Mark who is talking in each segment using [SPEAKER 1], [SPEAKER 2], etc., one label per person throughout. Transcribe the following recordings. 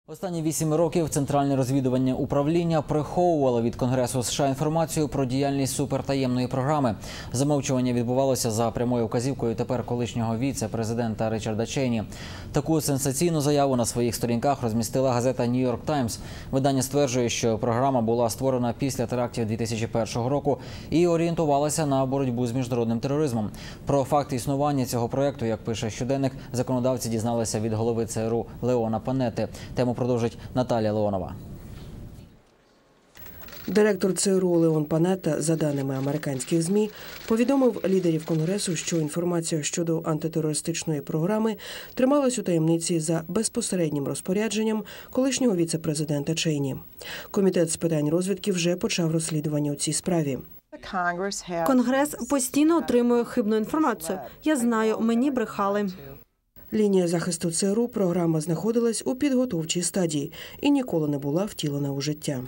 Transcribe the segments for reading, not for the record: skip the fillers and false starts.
[SPEAKER 1] Останні 8 років Центральне розвідувальне управління приховувало від Конгресу США інформацію про діяльність супертаємної програми. Замовчування відбувалося за прямою вказівкою тепер колишнього віце-президента Річарда Чейні. Таку сенсаційну заяву на своїх сторінках розмістила газета «Нью Йорк Таймс». Видання стверджує, що програма була створена після терактів 2001 року і орієнтувалася на боротьбу з міжнародним тероризмом. Про факт існування цього проєкту, як пише щоденник, законодавці дізналися від голови ЦРУ Леона Панетти. Тему продовжить Наталія Леонова.
[SPEAKER 2] Директор ЦРУ Леон Панетта, за даними американських ЗМІ, повідомив лідерів Конгресу, що інформація щодо антитерористичної програми трималась у таємниці за безпосереднім розпорядженням колишнього віце-президента Чейні. Комітет з питань розвідки вже почав розслідування у цій справі.
[SPEAKER 3] Конгрес постійно отримує хибну інформацію. Я знаю, мені брехали.
[SPEAKER 2] Лінія захисту ЦРУ програма знаходилась у підготовчій стадії і ніколи не була втілена у життя.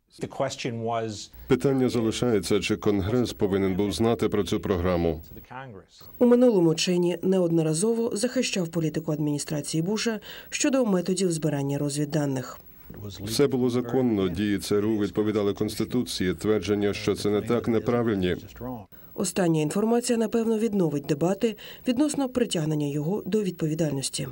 [SPEAKER 4] Питання залишається, чи Конгрес повинен був знати про цю програму.
[SPEAKER 2] У минулому Чейні неодноразово захищав політику адміністрації Буша щодо методів збирання розвідданих.
[SPEAKER 4] Все було законно, дії ЦРУ відповідали Конституції, твердження, що це не так, неправильні.
[SPEAKER 2] Остання інформація, напевно, відновить дебати відносно притягнення його до відповідальності.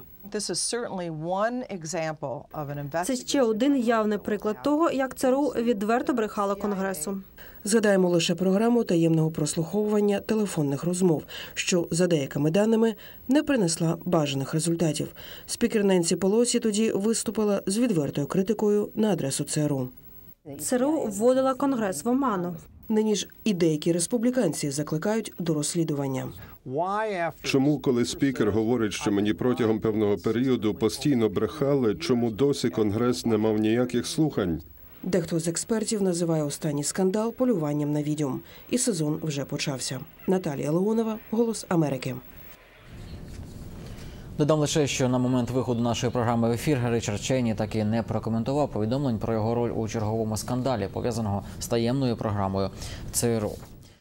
[SPEAKER 3] Це ще один явний приклад того, як ЦРУ відверто брехало Конгресу.
[SPEAKER 2] Згадаємо лише програму таємного прослуховування телефонних розмов, що, за деякими даними, не принесла бажаних результатів. Спікер Ненсі Пелосі тоді виступила з відвертою критикою на адресу ЦРУ.
[SPEAKER 3] ЦРУ вводила Конгрес в оману.
[SPEAKER 2] Нині ж і деякі республіканці закликають до розслідування.
[SPEAKER 4] Чому, коли спікер говорить, що мені протягом певного періоду постійно брехали, чому досі Конгрес не мав ніяких слухань?
[SPEAKER 2] Дехто з експертів називає останній скандал полюванням на відьом. І сезон вже почався. Наталія Леонова, «Голос Америки».
[SPEAKER 1] Додам лише, що на момент виходу нашої програми в ефір Річард Чейні так і не прокоментував повідомлень про його роль у черговому скандалі, пов'язаного з таємною програмою ЦРУ.